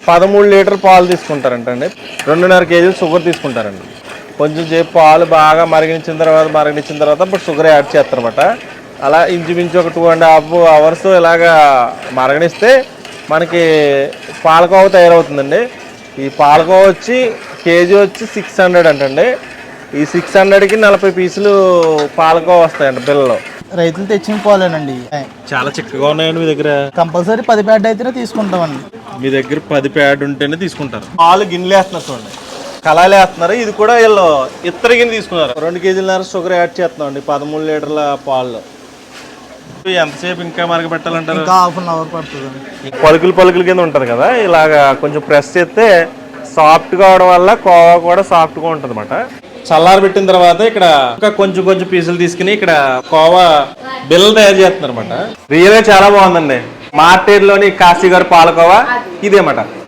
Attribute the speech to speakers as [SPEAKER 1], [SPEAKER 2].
[SPEAKER 1] 13 litre పాలు తీసుకుంటారంటండి. 2.5 కేజీలు sugar తీసుకుంటారండి. కొంచెం సేపు పాలు బాగా మరిగించిన తర్వాత ఇప్పుడు షుగర్ యాడ్ చేస్తారన్నమాట. అలా ఇంచుమించు ఒక 2.5 అవర్స్ ఇలాగా మరగనిస్తే మనకి పాలకోవ తయారవుతుందండి. ఈ పాలకోవ వచ్చి కేజీ వచ్చి 600 అంటండి. ఈ 600కి 40 పీసులు పాలకోవ వస్తాయండి పిల్లలు.
[SPEAKER 2] రైతులు తెచ్చిన పాలేనండి.
[SPEAKER 1] చాలా చిక్కగా ఉన్నాయండి. మీ దగ్గర
[SPEAKER 2] కంపల్సరీ 10 ప్యాడ్ అయితేనే తీసుకుంటామండి.
[SPEAKER 1] మీ దగ్గర 10 ప్యాడ్ ఉంటేనే తీసుకుంటారు. పాలు గిన్నెలు వేస్తున్నారు చూడండి, కళాయిలు వేస్తున్నారు. ఇది కూడా వీళ్ళు ఇత్తడి గిన్నె తీసుకున్నారు. 2 కేజీలన్నర షుగర్ యాడ్ చేస్తున్నామండి 13 లీటర్ల పాలు. ఎంతసేపు ఇంకా మరగబెట్టాలంటారు?
[SPEAKER 2] ఇంకా హాఫ్ అన్ అవర్ పడుతుంది.
[SPEAKER 1] పలుకులు కింద ఉంటుంది కదా, ఇలాగా కొంచెం ప్రెస్ చేస్తే సాఫ్ట్గా అవడం వల్ల కోవా కూడా సాఫ్ట్గా ఉంటుంది అన్నమాట. చల్లారి పెట్టిన తర్వాత ఇక్కడ ఇంకా కొంచెం పీసులు తీసుకుని ఇక్కడ కోవా బిల్లలు తయారు చేస్తున్నారు అనమాట. రియల్గా చాలా బాగుందండి. మార్కెట్లోని కాశీ గారు పాలకోవా ఇదేమాట.